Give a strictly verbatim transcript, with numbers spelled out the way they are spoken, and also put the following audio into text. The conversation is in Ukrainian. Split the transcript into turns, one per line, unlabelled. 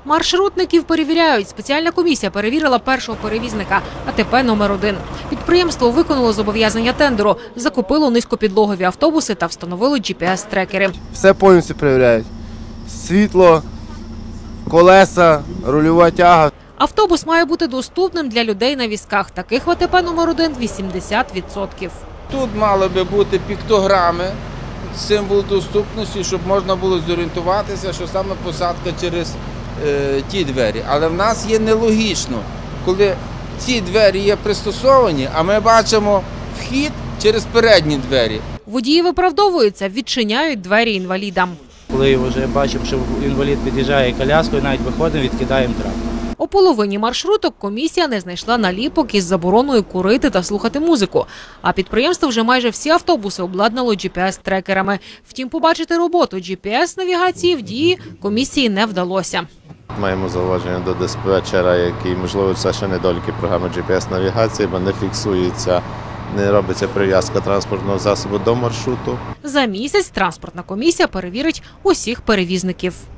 Маршрутників перевіряють. Спеціальна комісія перевірила першого перевізника – А Те Пе номер один. Підприємство виконало зобов'язання тендеру, закупило низькопідлогові автобуси та встановило джі пі ес-трекери.
Все повністю перевіряють. Світло, колеса, рульова тяга.
Автобус має бути доступним для людей на візках. Таких в А Те Пе номер один – вісімдесят відсотків.
Тут мали би бути піктограми, символ доступності, щоб можна було зорієнтуватися, що саме посадка через е, ті двері. Але в нас є нелогічно, коли ці двері є пристосовані, а ми бачимо вхід через передні двері.
Водії виправдовуються, відчиняють двері інвалідам.
Коли вже бачимо, що інвалід під'їжджає коляскою, навіть виходимо, відкидаємо трап.
У половині маршруток комісія не знайшла наліпок із забороною курити та слухати музику. А підприємство вже майже всі автобуси обладнало джі пі ес-трекерами. Втім, побачити роботу джі пі ес-навігації в дії комісії не вдалося.
Маємо зауваження до диспетчера, який, можливо, це ще недоліки програми джі пі ес-навігації, бо не фіксується, не робиться прив'язка транспортного засобу до маршруту.
За місяць транспортна комісія перевірить усіх перевізників.